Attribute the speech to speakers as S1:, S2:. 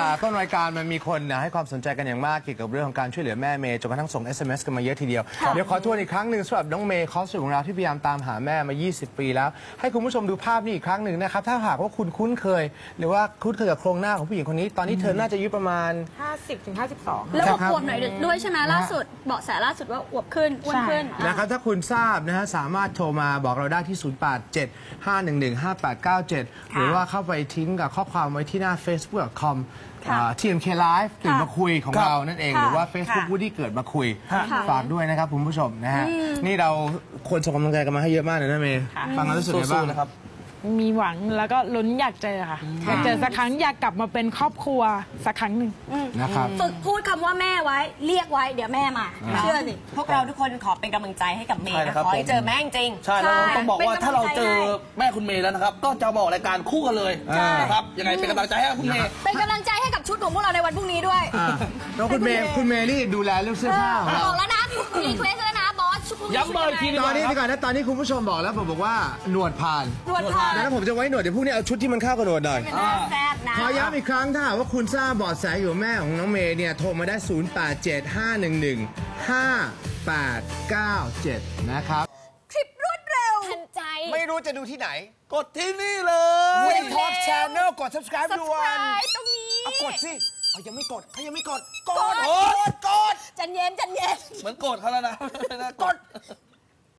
S1: ต้นรายการมันมีคนให้ความสนใจกันอย่างมากเกี่ยวกับเรื่องของการช่วยเหลือแม่เมย์จนกระทั่งส่ง SMS กันมาเยอะทีเดียวเดี๋ยวขอทวนอีกครั้งหนึ่งสำหรับน้องเมย์คอสของเราที่พยายามตามหาแม่มา20 ปีแล้วให้คุณผู้ชมดูภาพนี้อีกครั้งหนึ่งนะครับถ้าหากว่าคุณคุ้นเคยหรือว่าคุ้นเคยกับโครงหน้าของผู้หญิงคนนี้ตอนนี้เธอน่าจะอายุประมาณ
S2: 50 ถึง 52
S3: แล้วอวบหน่อยด้วยใช่ไหมล่าสุดเบาะแสล่าสุดว่าอวบขึ้นอ้วนขึ้น
S1: นะครับถ้าคุณทราบนะฮะสามารถโทรมาบอกเราได้ที่ 0875115897 หรือว่าเข้าไปทิ้งกับข้อความไว้ที่หน้า facebook.com TMK Live ตื่นมาคุยของเรานั่นเองหรือว่า Facebook ผู้ที่เกิดมาคุยฝากด้วยนะครับคุณผู้ชมนะฮะนี่เราควรส่งกำลังใจกันมาให้เยอะมากเลยนะเมย์ฟังแล้วรู้สึกไงบ้างนะครับ
S2: มีหวังแล้วก็ลุ้นอยากเจอค่ะอยากเจอสักครั้งอยากกลับมาเป็นครอบครัวสักครั้งหนึ่ง
S1: นะครับ
S3: ฝึกพูดคำว่าแม่ไว้เรียกไว้เดี๋ยวแม่มาเชื่อสิ
S4: พวกเราทุกคนขอเป็นกำลังใจให้กับเมย์นะขอให้เจอแม่จริง
S5: ใช่แล้วต้องบอกว่าถ้าเราเจอแม่คุณเมย์แล้วนะครับก็จะบอกรายการคู่กันเลยนะครับยังไงเป็นกำลังใจให้คุณเมย์
S3: เป็นกำลังใจให้กับชุดของพวกเราในวันพรุ่งนี้ด้วย
S1: แล้วคุณเมย์นี่ดูแลเรื่องเสื้อผ้า
S3: บอกแล้วนะรีเควสแล้วนะบอสชุดพรุ่งนี้
S5: ย้ำเบอร์ที
S1: ตอนนี้ก่อนนะตอนนี้คุณผู้ชมบอกแล้วผมบอกว่าหนวดผ่านแล้วผมจะไว้หนวดเดี๋ยวพรุ่งนี้เอาชุดที่มันเข้ากับหนวดหน่อยขอย้ำอีกครั้งถ้าว่าคุณทราบเบาะแสอยู่แม่ของน้องเมย์เนี่ยโทรมาได้0875115897นะครับ
S3: คลิปรวดเร็วทันใจ
S1: ไม่รู้จะดูที่ไหน
S5: กดที่นี่เลย
S1: วีท็อปชาแนลกด subscribe ด่วน
S3: ตรงนี้
S1: กดสิยังไม่กดเขายังไม่กด
S3: กดใจเย็น
S5: เหมือนโกรธเขาแล้วนะ
S1: กด